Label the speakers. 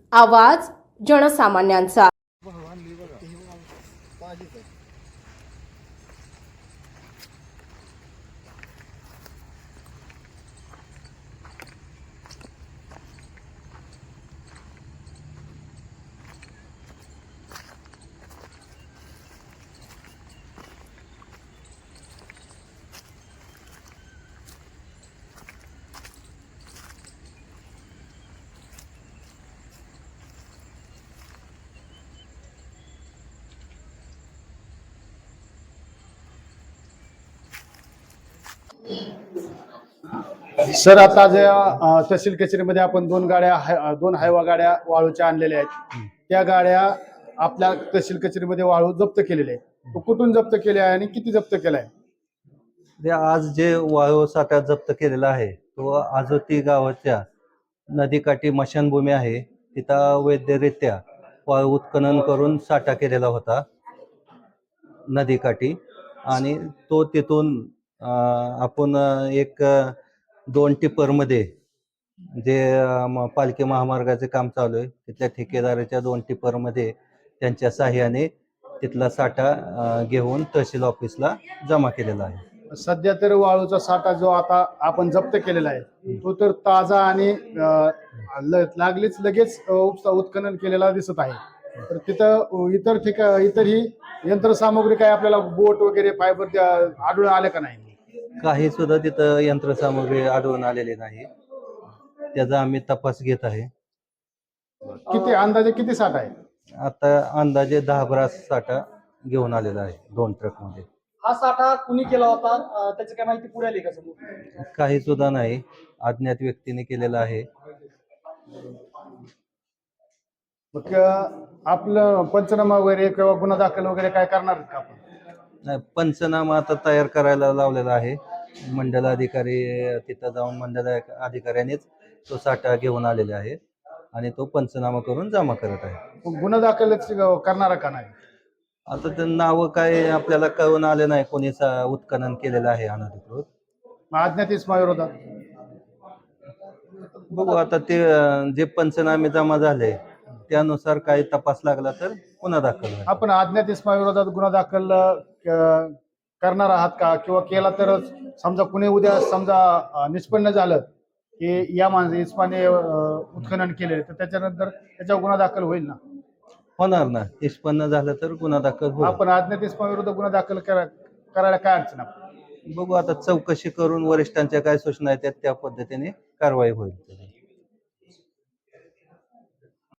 Speaker 1: आवाज जनसामान्यांचा।
Speaker 2: सर, आता जे तहसील कचेरीमध्ये आपण दोन हायवा गाड्या वाळूच्या आणलेल्या आहेत, त्या गाड्या आपल्या तहसील कचेरीमध्ये वाळू जप्त केलेले आहे. तो कुठून जप्त केले आहे आणि किती जप्त केलाय?
Speaker 3: आज जे वाळू साठा जप्त केलेला आहे तो आजोती गावाच्या नदीकाठी मशानभूमी आहे, तिथं वैधरित्या वाळू उत्खनन करून साठा केलेला होता नदीकाठी. आणि तो तिथून आपण एक 2 टिप्परमध्ये जे पालखी महामार्गाचे काम चालू आहे तिथल्या ठेकेदाराच्या 2 टिप्परमध्ये त्यांच्या साह्याने तिथला साठा घेऊन तहसील ऑफिसला जमा केलेला आहे.
Speaker 2: सध्या तर वाळूचा साठा जो आता आपण जप्त केलेला आहे तो तर ताजा आणि लगेच उत्खनन केलेला दिसत आहे. तर तिथं इतरही यंत्रसामुग्री काय आपल्याला बोट वगैरे फायबर आढळून आले का नाही?
Speaker 3: काही सुद्धा तिथं यंत्रसामुग्री आढळून आलेली नाही, त्याचा आम्ही तपास घेत आहे.
Speaker 2: अंदाजे किती साठा आहे?
Speaker 3: आता अंदाजे 10 ब्रास साठा घेऊन आलेला आहे 2 ट्रकमध्ये.
Speaker 4: हा साठा कुणी केला होता त्याची काय माहिती पुढे आली का समोर?
Speaker 3: काही सुद्धा नाही, अज्ञात व्यक्तीने केलेला आहे.
Speaker 2: मग आपलं पंचनामा वगैरे किंवा गुन्हा दाखल वगैरे काय करणार का आपण?
Speaker 3: नाही, पंचनामा आता तयार करायला लावलेला आहे. मंडल अधिकारी तिथं जाऊन मंडल अधिकाऱ्यांनीच तो साठा घेऊन आलेले आहे आणि तो पंचनामा करून जमा करत आहे.
Speaker 2: गुन्हा दाखल करणारा का नाही?
Speaker 3: आता ते नावं काय आपल्याला कळून आले नाही कोणी उत्खनन केलेलं आहे अनधिकृत.
Speaker 2: अज्ञात इसमाविरोधात
Speaker 3: बघू आता ते जे पंचनामे जमा झाले त्यानुसार काही तपास लागला तर गुन्हा दाखल होईल.
Speaker 2: आपण अज्ञात इसमाविरोधात गुन्हा दाखल करणार आहात का? किंवा केला तर समजा कुणी उद्या समजा निष्पन्न झालं की या इस्माने उत्खनन केले तर त्याच्यानंतर त्याच्यावर गुन्हा दाखल होईल ना?
Speaker 3: होणार ना, निष्पन्न झालं तर गुन्हा दाखल होईल.
Speaker 2: आपण अज्ञात इसमाविरोधात गुन्हा दाखल करायला काय अडचण आहे?
Speaker 3: बघू आता चौकशी करून वरिष्ठांच्या काय सूचना आहेत त्या पद्धतीने कारवाई होईल.